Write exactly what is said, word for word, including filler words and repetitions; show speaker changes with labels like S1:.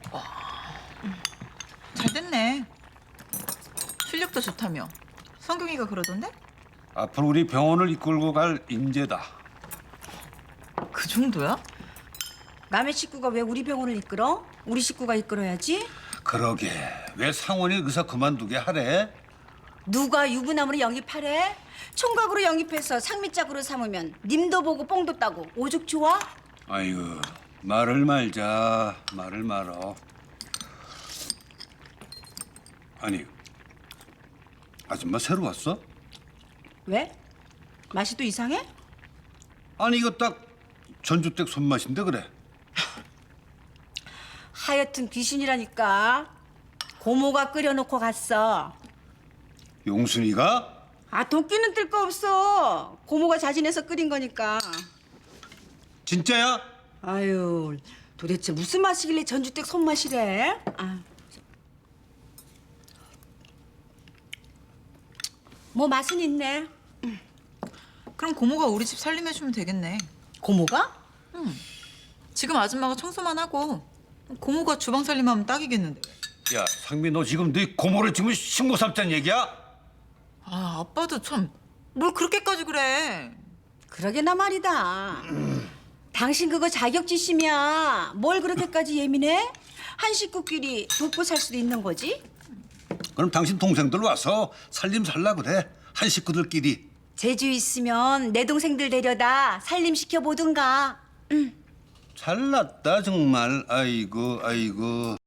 S1: 잘 됐네. 실력도 좋다며. 성경이가 그러던데?
S2: 앞으로 우리 병원을 이끌고 갈 인재다.
S1: 그 정도야?
S3: 남의 식구가 왜 우리 병원을 이끌어? 우리 식구가 이끌어야지.
S2: 그러게 왜 상원이 의사 그만두게 하래?
S3: 누가 유부남으로 영입하래? 총각으로 영입해서 상미짝으로 삼으면 님도 보고 뽕도 따고 오죽 좋아?
S2: 아이고 말을 말자 말을 말어. 아니 아줌마 새로 왔어?
S3: 왜? 맛이 또 이상해?
S2: 아니 이거 딱 전주댁 손맛인데 그래.
S3: 하여튼 귀신이라니까. 고모가 끓여놓고 갔어.
S2: 용순이가?
S3: 아 도끼는 뜰 거 없어. 고모가 자진해서 끓인 거니까.
S2: 진짜야?
S3: 아유 도대체 무슨 맛이길래 전주댁 손맛이래? 아. 뭐 맛은 있네.
S1: 그럼 고모가 우리 집 살림해주면 되겠네.
S3: 고모가?
S1: 지금 아줌마가 청소만 하고 고모가 주방 살림하면 딱이겠는데.
S2: 야 상미 너 지금 네 고모를 지금 신고 삼자는 얘기야?
S1: 아, 아빠도 참 뭘 그렇게까지 그래.
S3: 그러게나 말이다. 당신 그거 자격지심이야. 뭘 그렇게까지 예민해? 한 식구끼리 돕고 살 수도 있는 거지.
S2: 그럼 당신 동생들 와서 살림 살라 그래. 한 식구들끼리.
S3: 제주 있으면 내 동생들 데려다 살림시켜 보든가.
S2: 잘났다 정말. 아이고 아이고.